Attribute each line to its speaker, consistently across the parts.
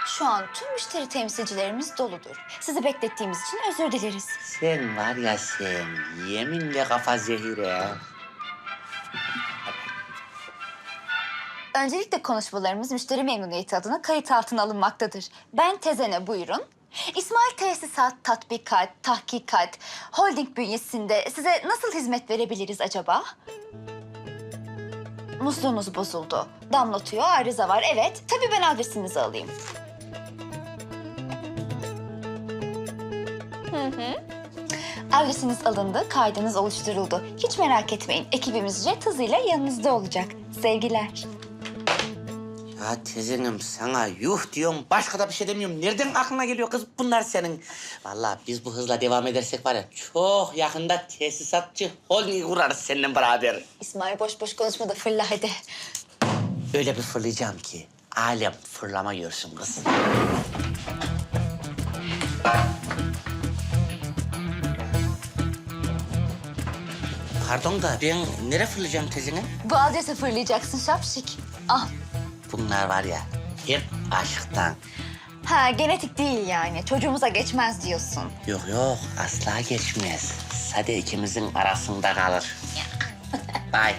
Speaker 1: Şu an tüm müşteri temsilcilerimiz doludur. Sizi beklettiğimiz için özür dileriz.
Speaker 2: Sen var ya sen, yeminle kafa zehire.
Speaker 1: Öncelikle konuşmalarımız müşteri memnuniyeti adına kayıt altına alınmaktadır. Ben Tezene, buyurun. İsmail Tesisat, Tatbikat, Tahkikat, Holding bünyesinde size nasıl hizmet verebiliriz acaba? Musluğunuz bozuldu. Damlatıyor, arıza var. Evet, tabii ben adresinizi alayım. Adresiniz alındı, kaydınız oluşturuldu. Hiç merak etmeyin, ekibimiz jet hızıyla yanınızda olacak. Sevgiler.
Speaker 2: Ya tezenim sana yuh diyorum, başka da bir şey demiyorum. Nereden aklına geliyor kız bunlar senin? Vallahi biz bu hızla devam edersek var ya, çok yakında tesisatçı holding kurarız seninle beraber.
Speaker 1: İsmail boş boş konuşma da fırla hadi.
Speaker 2: Öyle bir fırlayacağım ki alem fırlama görsün kız. Pardon da ben nereye fırlayacağım tezene?
Speaker 1: Bu adrese fırlayacaksın şapşik. Al.
Speaker 2: Bunlar var ya hep aşktan.
Speaker 1: Ha, genetik değil yani. Çocuğumuza geçmez diyorsun.
Speaker 2: Yok yok asla geçmez. Sade ikimizin arasında kalır. Bye.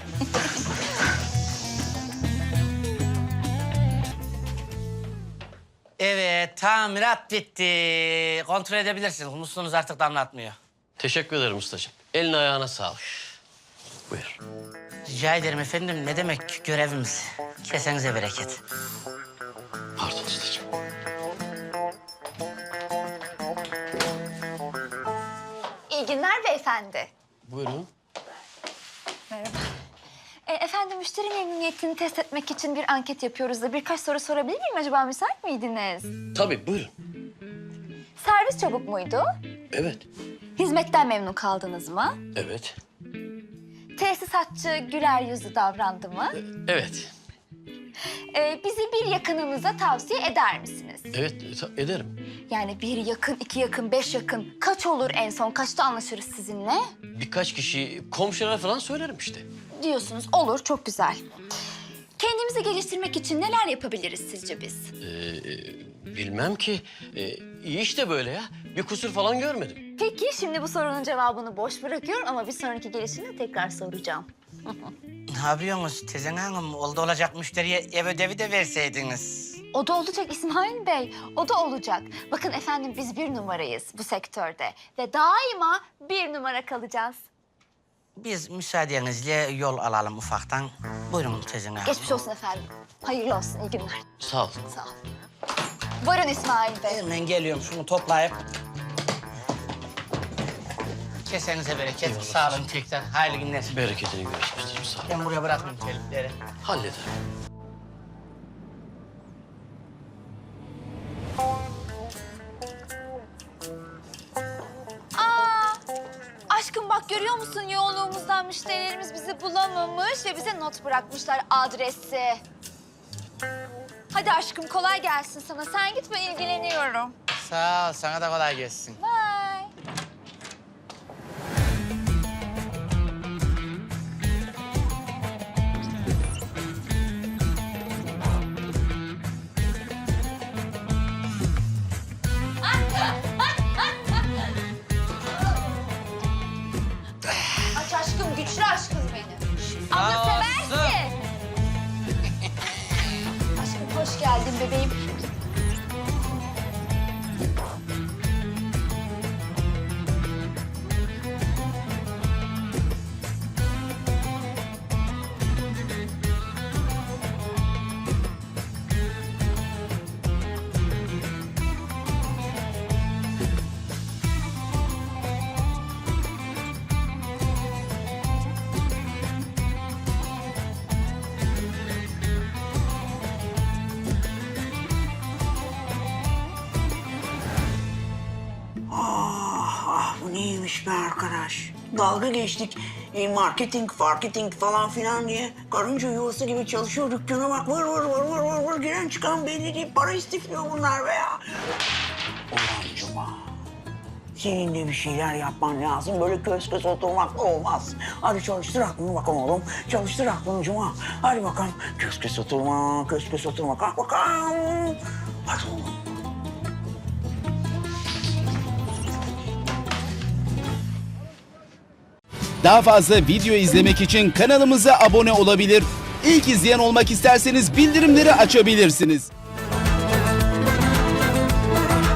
Speaker 2: Evet, tamirat bitti. Kontrol edebilirsiniz. Musluğunuz artık damlatmıyor.
Speaker 3: Teşekkür ederim ustacığım. Eline ayağına sağlık. Buyur.
Speaker 2: Rica ederim efendim. Ne demek görevimiz? Kesenize bereket.
Speaker 3: Pardon ustacığım.
Speaker 1: İyi günler beyefendi.
Speaker 3: Buyurun.
Speaker 1: Merhaba. Efendim, müşteri memnuniyetini test etmek için bir anket yapıyoruz da birkaç soru sorabilir miyim acaba? Müsait miydiniz?
Speaker 3: Tabii buyurun.
Speaker 1: Servis çabuk muydu?
Speaker 3: Evet.
Speaker 1: Hizmetten memnun kaldınız mı?
Speaker 3: Evet.
Speaker 1: Tesisatçı güler yüzlü davrandı mı?
Speaker 3: Evet.
Speaker 1: Bizi bir yakınınıza tavsiye eder misiniz?
Speaker 3: Evet ederim.
Speaker 1: Yani bir yakın, iki yakın, 5 yakın. Kaç olur en son? Kaçta anlaşırız sizinle?
Speaker 3: Birkaç kişi komşulara falan söylerim işte.
Speaker 1: Diyorsunuz. Olur, çok güzel. Kendimizi geliştirmek için neler yapabiliriz sizce biz?
Speaker 3: Bilmem ki. İyi işte böyle ya. Bir kusur falan görmedim.
Speaker 1: Peki, şimdi bu sorunun cevabını boş bırakıyorum ama bir sonraki gelişimde tekrar soracağım.
Speaker 2: Ne yapıyorsunuz Tezen Hanım? Oldu olacak müşteriye ev ödevi de verseydiniz.
Speaker 1: O da olacak İsmail Bey, o da olacak. Bakın efendim, biz 1 numarayız bu sektörde ve daima 1 numara kalacağız.
Speaker 2: Biz müsaadenizle yol alalım ufaktan. Buyurun Tezen Hanım.
Speaker 1: Geçmiş olsun efendim. Hayırlı olsun, iyi günler.
Speaker 3: Sağ ol.
Speaker 1: Sağ ol. Buyurun İsmail Bey.
Speaker 2: Hemen geliyorum şunu toplayıp. Kesenize bereket.
Speaker 3: Eyvallah.
Speaker 2: Sağ olun tekrar. Hayırlı günler.
Speaker 3: Bereketini görüşmüştür. Sağ ol.
Speaker 2: Ben buraya bırakmayayım telifleri.
Speaker 3: Hallederim.
Speaker 1: Aşkım bak, görüyor musun, yoğunluğumuzdan müşterilerimiz bizi bulamamış ve bize not bırakmışlar adresi. Hadi aşkım, kolay gelsin sana. Sen git, ben ilgileniyorum.
Speaker 2: Sağ ol. Sana da kolay gelsin.
Speaker 1: Bye. Aç aşkım, güçlü aşkım benim. Ama seversin. Aşkım hoş geldin bebeğim.
Speaker 4: Bu neymiş be arkadaş? Dalga geçtik. Marketing falan filan diye. Karınca yuvası gibi çalışıyor dükkana bak. Vır giren çıkan belli değil. Para istifliyor bunlar be ya. Ulan Cuma. Senin de bir şeyler yapman lazım. Böyle köz köz oturmakla olmaz. Hadi çalıştır aklını bakalım oğlum. Çalıştır aklını Cuma. Hadi bakalım. Köz köz oturma. Kalk bakalım. Hadi oğlum.
Speaker 5: Daha fazla video izlemek için kanalımıza abone olabilir. İlk izleyen olmak isterseniz bildirimleri açabilirsiniz.